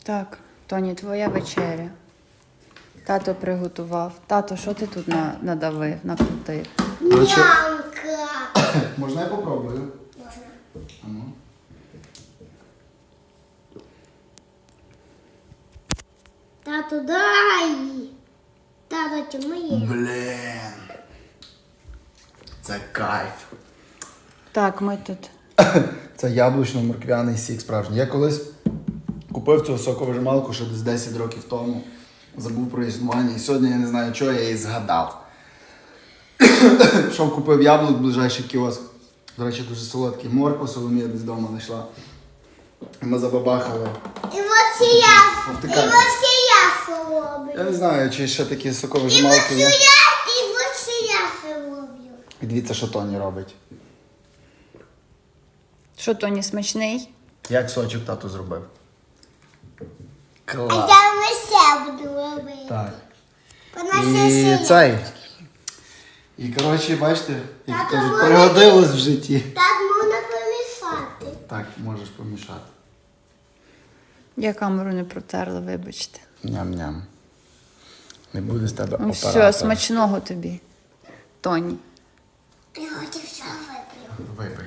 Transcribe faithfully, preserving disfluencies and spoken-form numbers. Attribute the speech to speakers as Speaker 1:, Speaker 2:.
Speaker 1: Так, Тоні, твоя вечеря. Тато приготував. Тато, що ти тут на- надавив, накрутив?
Speaker 2: Короче,
Speaker 3: Мамка.
Speaker 2: можна я попробую?
Speaker 3: Можна.
Speaker 2: А ну.
Speaker 3: Тату, дай. Тато, чому є?
Speaker 2: Блін. Це кайф.
Speaker 1: Так, ми тут.
Speaker 2: Це яблучно-морквяний сік справжній. Я колись купив цю соковижималку ще десь десять років тому. Забув про існування. І сьогодні я не знаю, чого я її згадав. Пішов, купив яблук в ближайший кіоск. До речі, дуже солодкий. Морква Соломія десь вдома знайшла. І ми забабахали.
Speaker 3: І ось і я. І
Speaker 2: Повтикаю.
Speaker 3: ось і я солоблю.
Speaker 2: Я не знаю, чи ще такі
Speaker 3: І ось
Speaker 2: соковижималки
Speaker 3: і
Speaker 2: є.
Speaker 3: я, і ось і я солоблю.
Speaker 2: І дивіться, що Тоні робить.
Speaker 1: Що, Тоні, смачний?
Speaker 2: Як сочок тату зробив.
Speaker 3: А
Speaker 2: Клас.
Speaker 3: я весе буду робити.
Speaker 2: Так.
Speaker 3: Вона
Speaker 2: І
Speaker 3: ще
Speaker 2: цей. І коротше, бачите, як
Speaker 3: Тато,
Speaker 2: кажуть,
Speaker 3: вони-
Speaker 2: пригодилось в житті.
Speaker 3: Так можна помішати.
Speaker 2: Так, можеш помішати.
Speaker 1: Я камеру не протерла, вибачте.
Speaker 2: Ням-ням. Не буде з тебе
Speaker 1: Ну
Speaker 2: оператора.
Speaker 1: все, смачного тобі, Тоні.
Speaker 3: Я хочу все вип'ю.
Speaker 2: Випий,